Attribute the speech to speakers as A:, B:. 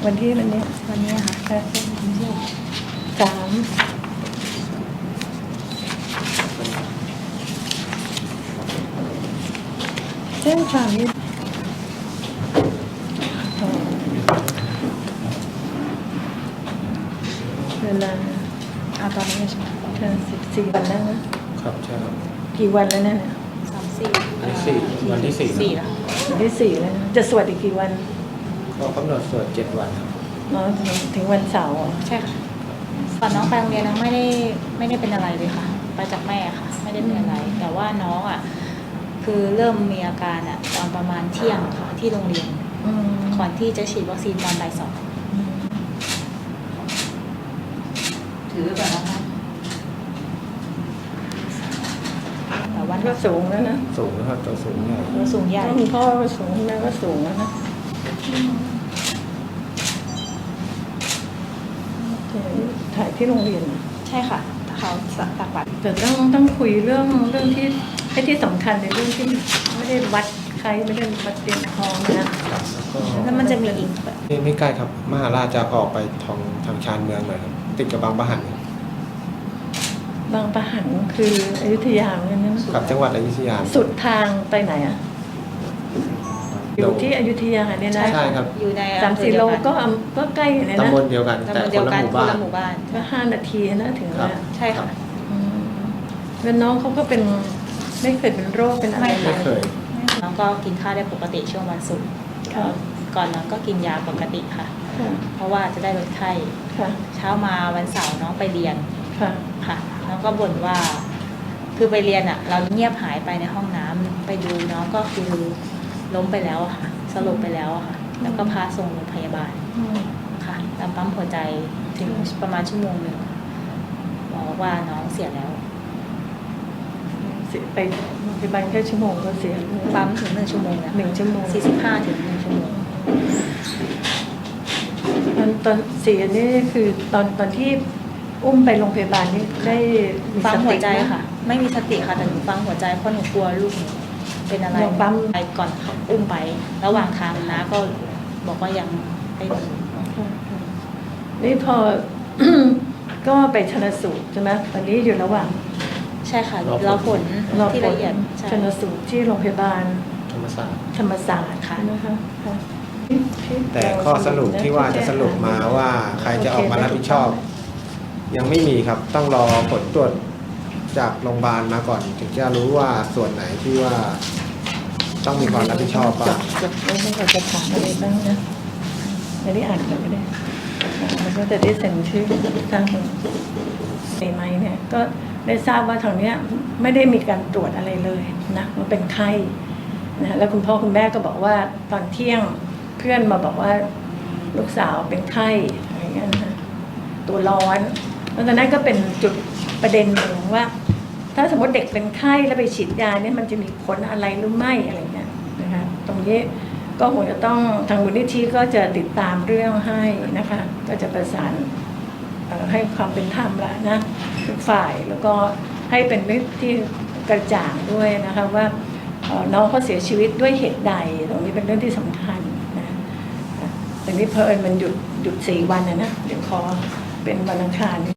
A: วันที่
B: วันนี้ค่ะ
A: ค่ะ3แจ้งความนี้เวลา
B: ตอนนี้ใช่ไหม
A: 14 วันแล้วนะครับ
C: ใช่ครับ
A: กี่วันแล้วเนี่ย
C: วันที่สี่
B: แล้ว
A: วันที่4แล้วนะจะสวดอีกกี่วัน
C: ก็กำหนดสวด7 วันครับ
A: ถึงวันเสาร์
B: ใช่ค่ะตอนน้องไปโรงเรียนน้องไม่ได้เป็นอะไรเลยค่ะไปจากแม่ค่ะไม่ได้เป็นอะไรแต่ว่าน้องคือเริ่มมีอาการตอนประมาณเที่ยงค่ะที่โรงเรียนก่อนที่จะฉีดวัคซีนตอนบ่าย 2
D: ถือแบบนะคะ
B: แต่วัน
A: ก็สูงแล้วนะ
C: สูงนะครับตัวสูงใหญ่
B: ตัวสูงใหญ่
A: คุณพ่อก็สูงแม่ก็สูงแล้วนะถ่ายที่โรงเรียน
B: ใช่ค่ะเขาตักบัตร
A: แต่ต้องคุยเรื่องที่สำคัญในเรื่องที่ไม่ได้วัดใครไม่ได้วัดเตียงทองนะ
B: แล้วมันจะมีอีก
C: ไม่ใกล้ครับมหาราชจะออกไปทางชานเมืองหน่อยครับติดกับบางปะหัน
A: บางปะหันคืออยุธยาเหมือนกันนะ
C: กับจังหวัดอยุธยา
A: สุดทางไปไหนอยู่ที่อยุธยาเนี่ยนะ
C: ใช่ครับ
B: อยู่ใน
A: 30 โลก็ใกล้เลยนะ
C: ตำบลเดียวกันแต่คนละหมู่บ้าน
A: ก็5 นาทีนะถึงแล้ว
B: ใช่ค่ะ
A: แล้วน้องเขาก็เป็นไม่เคยเป็นโรคเป็นอะไร
C: ไม่เคย
B: น้องก็กินข้าวได้ปกติช่วงวันศุกร์ก่อนน้องก็กินยาปกติค่ะเพราะว่าจะได้ลดไข้เช้ามาวันเสาร์น้องไปเรียนค่ะน้องก็บ่นว่าคือไปเรียนเราเงียบหายไปในห้องน้ำไปดูน้องก็คือล้มไปแล้วค่ะสลบไปแล้วค่ะแล้วก็พาส่งโรงพยาบาลค่ะตามปั๊มหัวใจถึงประมาณ1 ชั่วโมงหมอบอกว่าน้องเสียแล้ว
A: ไปโรงพยาบาลแค่ชั่วโมงก็เสีย
B: ปั๊มถึง1 ชั่วโมงแล้ว
A: 1 ชั่วโมง
B: 45 ถึง 1 ชั่วโมง
A: ตอนเสียนี่คือตอนที่อุ้มไปโรงพยาบาลนี่ได้
B: ปั๊มหัวใจค่ะไม่มีสติค่ะแต่หนูปั๊มหัวใจเพราะหนูกลัวลูกหนูเป็นอะไร
A: ปั๊ม
B: ไปก่อนเขาอุ้มไประหว่างทางนะก็บอกว่ายังไม่มี
A: นี่พอ ก็ไปชันสูตรใช่ไหมตอนนี้อยู่ระหว่าง
B: ใช่ค่ะรอผลที่ละเอียด
A: ชันสูตรที่โรงพยาบาล
C: ธรรมศาสตร์
A: ค่ะนะคะ
C: แต่ข้อสรุปที่ว่าจะสรุปมาว่าใครจะออกมารับผิดชอบยังไม่มีครับต้องรอผลตรวจจากโรงพยาบาลมาก่อนถึงจะรู้ว่าส่วนไหนที่ว่าต้องมีความรับผิดชอบบ้าง
A: แล้วเราจะถามอะไรบ้างนะไม่ได้อ่านกันก็ได้แล้วก็จะได้เซ็นชื่อทางไหมเนี่ยก็ได้ทราบว่าทางเนี้ยไม่ได้มีการตรวจอะไรเลยนะมันเป็นไข้นะแล้วคุณพ่อคุณแม่ก็บอกว่าตอนเที่ยงเพื่อนมาบอกว่าลูกสาวเป็นไข้อะไรเงี้ยนะตัวร้อนแล้วตอนนั้นก็เป็นจุดประเด็นหนึ่งว่าถ้าสมมติเด็กเป็นไข้แล้วไปฉีดยาเนี่ยมันจะมีผลอะไรหรือไม่อะไรเงี้ยนะคะตรงนี้ก็คงจะต้องทางมูลนิธิก็จะติดตามเรื่องให้นะคะก็จะประสานให้ความเป็นธรรมละนะทุกฝ่ายแล้วก็ให้เป็นเรื่องที่กระจ่างด้วยนะคะว่าน้องเขาเสียชีวิตด้วยเหตุใดตรงนี้เป็นเรื่องที่สำคัญนะแต่นี้เพอิญมันหยุด4 วันนะเดี๋ยวขอเป็นวันอังคาร